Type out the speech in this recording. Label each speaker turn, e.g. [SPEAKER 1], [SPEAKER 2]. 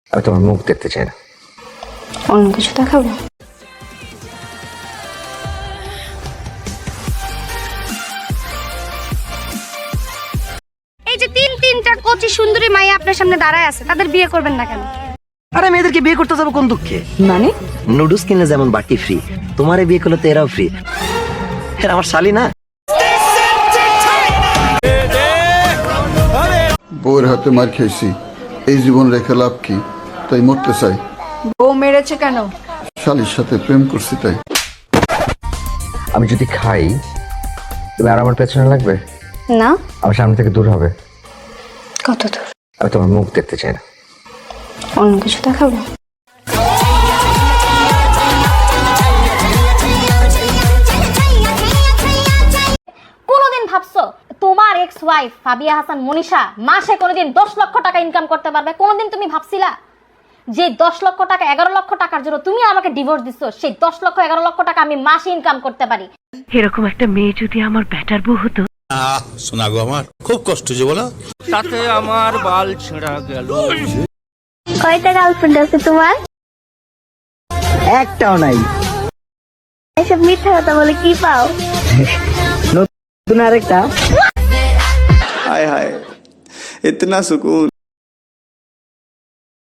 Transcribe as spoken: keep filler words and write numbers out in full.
[SPEAKER 1] আমি তোমার মুখ দেখতে চাই না।
[SPEAKER 2] অন্য কিছু দেখাবো? এই যে তিন তিনটা কচি সুন্দরী মাইয়া আপনার সামনে দাঁড়ায় আছে, তাদের বিয়ে করবেন না কেন?
[SPEAKER 3] আরে মেয়েদেরকে বিয়ে করতে যাবো কোন দুঃখে?
[SPEAKER 2] মানে
[SPEAKER 3] নুডলস কিনলে যেমন বাটি ফ্রি, তোমারে বিয়ে করলে তো এরাও ফ্রি। হ্যাঁ আমার শালি না।
[SPEAKER 4] বউয়ের হাতে মার খেয়েছি, এই জীবন রেখে লাভ কি? তাই মরতে চাই।
[SPEAKER 2] বউ মেরেছে কেন?
[SPEAKER 4] শালির সাথে প্রেম করছি তাই।
[SPEAKER 1] আমি যদি খাই তুমি আর আমার পেছনে লাগবে?
[SPEAKER 2] না।
[SPEAKER 1] আমার সামনে থেকে দূর হবে।
[SPEAKER 2] কত দূর?
[SPEAKER 1] আমি তোমার মুখ দেখতে চাই না।
[SPEAKER 2] অন্য কিছু দেখাবো?
[SPEAKER 5] কোনোদিন ভাবছো তোমার এক্স ওয়াইফ ফাবিয়া হাসান মনীষা মাসে কোনোদিন দশ লক্ষ টাকা ইনকাম করতে পারবে? কোনোদিন তুমি ভাবছিলা যে দশ লক্ষ টাকা এগারো লক্ষ টাকার জন্য তুমি আমাকে ডিভোর্স দিচ্ছ, সেই দশ লক্ষ এগারো লক্ষ টাকা আমি মাসে ইনকাম করতে পারি?
[SPEAKER 6] এরকম একটা মেয়ে যদি আমার ব্যাটার বউ হতো।
[SPEAKER 7] শোনা গো আমার খুব কষ্ট যে বলো,
[SPEAKER 8] তাতে আমার বাল ছেঁড়া গেল।
[SPEAKER 9] কয়টা গার্লফ্রেন্ড আছে তোমার?
[SPEAKER 3] একটাও নাই।
[SPEAKER 9] এসব মিথ্যা কথা বলে কি পাও?
[SPEAKER 3] নতুন আরেকটা।
[SPEAKER 10] हाय हाय इतना सुकून।